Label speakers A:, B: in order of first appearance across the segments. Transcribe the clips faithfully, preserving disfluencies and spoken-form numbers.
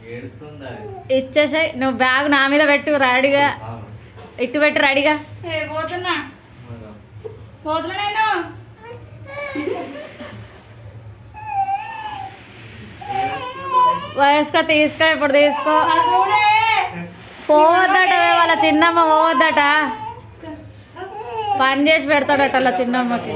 A: ఇచ్చేసాయి. నువ్వు బ్యాగ్ నా మీద పెట్టు రెడీగా, ఇటు పెట్టు రెడీగా.
B: పోతున్నా పోతున్నా నేను.
A: వయస్కో తీసుకో, ఇప్పుడు తీసుకో. పోవద్దట వాళ్ళ చిన్నమ్మ, పోవద్దట. పని చేసి పెడతాడట వాళ్ళ చిన్నమ్మకి.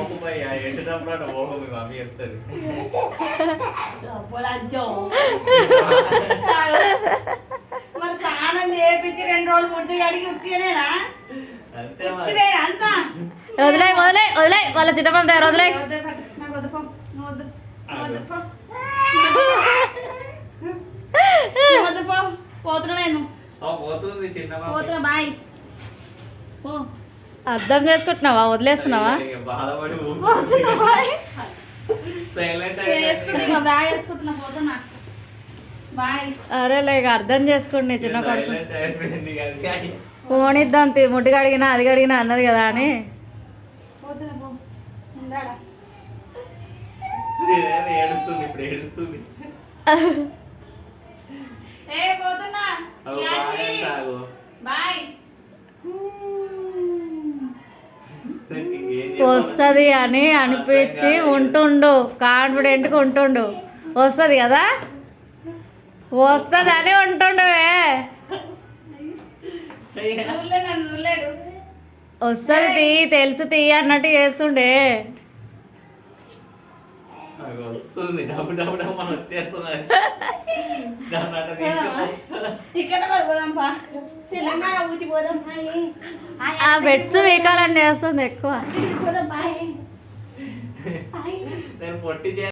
B: మరి స్నానం చేయించి రెండు రోజులు ముట్టి అడిగి ఉత్తినేనా అంతా.
A: వదిలే వదిలే వదిలే వాళ్ళ చిన్నమ్మ దగ్గర వదిలే.
B: పోతున్నా నేను, పోతున్నా. బాయ్.
A: అర్థం చేసుకుంటున్నావా, వదిలేస్తున్నావా? అరే లేక అర్థం చేసుకోండి చిన్న కొడుకు. ఫోన్ ఇద్దాం, ముడ్డు కడిగినా అది కడిగినా అన్నది కదా అని. వస్తుంది అని అనిపించి ఉంటుండు, కాన్ఫిడెంట్గా ఉంటుండు. వస్తుంది కదా, వస్తుంది అని ఉంటుండవే. వస్తుంది తీ, తెలుసు తీ అన్నట్టు చేస్తుండే. ఆ బెడ్స్ వీకాలని చేస్తుంది ఎక్కువ.